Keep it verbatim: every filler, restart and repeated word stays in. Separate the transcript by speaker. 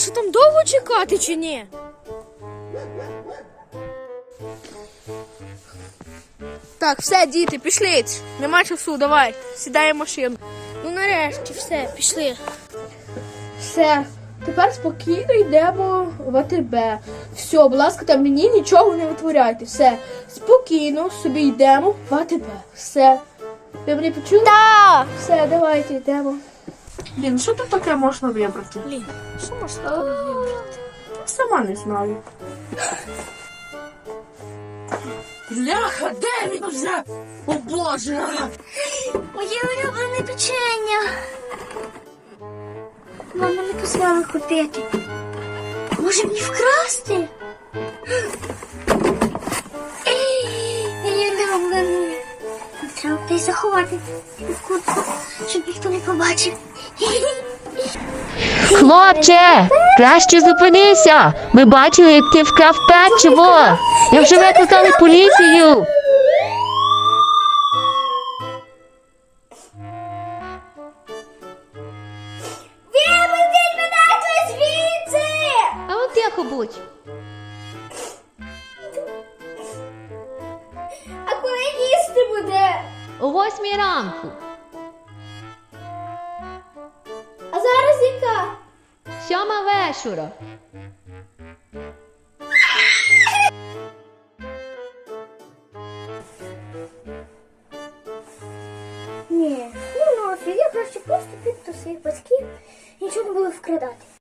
Speaker 1: що там довго чекати чи ні? Так, все, діти, пішли. Нема часу, давай, сідай в машину. Ну нарешті, все, пішли. Все, тепер спокійно йдемо в АТБ. Все, будь ласка, там мені нічого не витворяйте. Все, спокійно собі йдемо в АТБ. Все. Ви мене почули?
Speaker 2: Так!
Speaker 1: Все, давайте йдемо. Блін, що тут таке можна вибрати? Блін, що можна вибрати? Сама не знаю. Бляха, де він вже? О Боже!
Speaker 2: Моє улюблене печення. Мама не дозволила купити. Може мені вкрасти? Моє улюблене. Треба десь заховати в куртку, щоб ніхто не побачив.
Speaker 3: Хлопче, краще зупинися. Ми бачили, як ти вкрав печиво. Я вже викликали поліцію.
Speaker 2: Випустіть мене звідси!
Speaker 3: А от тихо будь.
Speaker 2: А коли їсти буде?
Speaker 3: О восьмій ранку.
Speaker 2: А зараз яка?
Speaker 3: Сьома вечора.
Speaker 2: Ні, ну нафіг, я краще просто піду до своїх батьків і нічого не буду вкрадати.